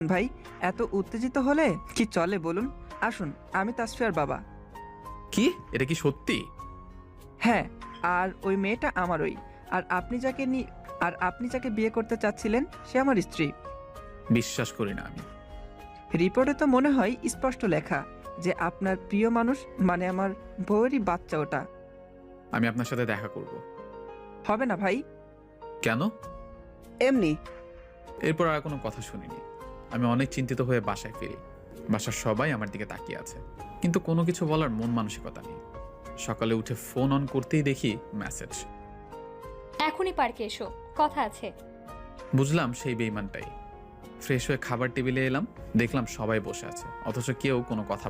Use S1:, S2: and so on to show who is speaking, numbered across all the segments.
S1: ভাই, এত উত্তেজিত হলে কি চলে বলুন? আসুন, আমি তাসফিয়ার বাবা।
S2: কি? এটা কি সত্যি?
S1: হ্যাঁ, আর ওই মেয়েটা আমারই। আর আপনি যাকে বিয়ে করতে চাচ্ছিলেন সে আমার স্ত্রী।
S2: বিশ্বাস করি না আমি।
S1: রিপোর্টে তো মনে হয় স্পষ্ট লেখা যে আপনার প্রিয় মানুষ, মানে আমার বউয়েরই বাচ্চা ওটা।
S2: আমি আপনার সাথে দেখা করব।
S1: হবে না ভাই।
S2: কেন?
S1: এমনি।
S2: এরপর আর কোনো কথা শুনিনি। আমি অনেক চিন্তিত হয়ে বাসায় ফিরি। বাসার সবাই আমার দিকে তাকিয়ে আছে, কিন্তু কোনো কিছু বলার মন মানসিকতা নেই। সকালে উঠে ফোন অন করতেই দেখি মেসেজ।
S3: এখনই পার্কে এসো, কথা আছে।
S2: বুঝলাম সেই বেইমানটাই। ফ্রেশ হয়ে খাবার টেবিলে এলাম, দেখলাম সবাই বসে আছে, অথচ কেউ কোনো কথা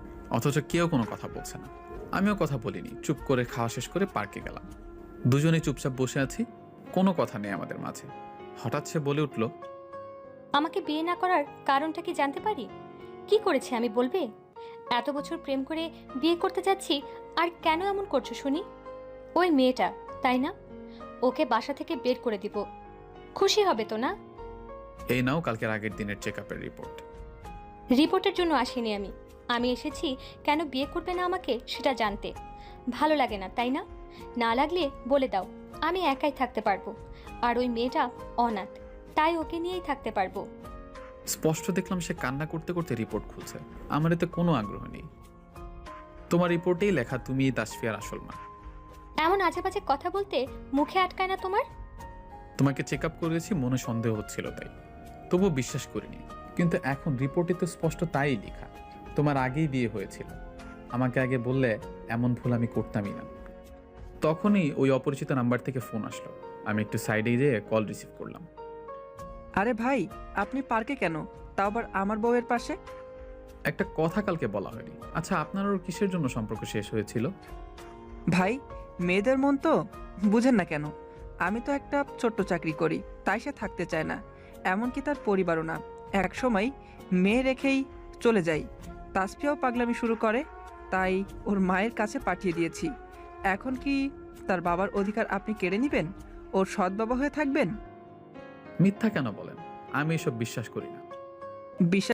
S2: বলছে না। আমিও কথা বলিনি, চুপ করে খাওয়া শেষ করে পার্কে গেলাম। দুজনেই চুপচাপ বসে আছি, কোনো কথা নেই আমাদের মাঝে। হঠাৎ সে বলে উঠল,
S3: আমাকে বিয়ে না করার কারণটা কি জানতে পারি? কি করেছি আমি, বলবে? এত বছর প্রেম করে বিয়ে করতে যাচ্ছি, আর কেন এমন করছো শুনি? ওই মেয়েটা, তাই না? ওকে বাসা থেকে বের করে দিব। খুশি হবে তো না?
S2: এই নাও কালকের আগের দিনের চেকআপের রিপোর্ট।
S3: রিপোর্টের জন্য আসিনি আমি। আমি এসেছি কেন বিয়ে করবে না আমাকে সেটা জানতে। ভালো লাগে না, তাই না? না লাগলে বলে দাও, আমি একাই থাকতে পারবো। আর ওই মেয়েটা অনাথ, তাই ওকে নিয়েই থাকতে পারবো।
S2: স্পষ্ট দেখলাম সে কান্না করতে করতে রিপোর্ট খুলছে। আমার এতে কোনো আগ্রহ নেই। তোমার রিপোর্টেই লেখা তুমি তাসফিয়ার আসল মা।
S3: এমন আজে বাজে কথা বলতে মুখে আটকায় না তোমার?
S2: তোমাকে চেকআপ করেছি, মনে সন্দেহ হচ্ছিল তাই, তবুও বিশ্বাস করিনি। কিন্তু এখন রিপোর্টে তো স্পষ্ট তাই লেখা, তোমার আগেই বিয়ে হয়েছিল। আমাকে আগে বললে এমন ভুল আমি করতামই না। তখনই ওই অপরিচিত নাম্বার থেকে ফোন আসলো। আমি একটু সাইডে যেয়ে কল রিসিভ করলাম।
S1: আরে ভাই, আপনি পার্কে কেন, তাও আবার আমার বউয়ের পাশে?
S2: একটা কথা কালকে বলা হয়নি। আচ্ছা, আপনার ওর কিসের জন্য সম্পর্ক শেষ হয়েছিল?
S1: ভাই, মেয়েদের মন তো বুঝেন না কেন? আমি তো একটা ছোট্ট চাকরি করি, তাই সে থাকতে চায় না। এমনকি তার পরিবারও না। এক সময় মেয়ে রেখেই চলে যাই। তাসফিয়াও পাগলামি শুরু করে, তাই ওর মায়ের কাছে পাঠিয়ে দিয়েছি। এখন কি তার বাবার অধিকার আপনি কেড়ে নেবেন? ওর সৎ বাবা হয়ে থাকবেন?
S2: মিথ্যা কেন বলেন? আমি এসব বিশ্বাস করি না।
S1: বিশ্বাস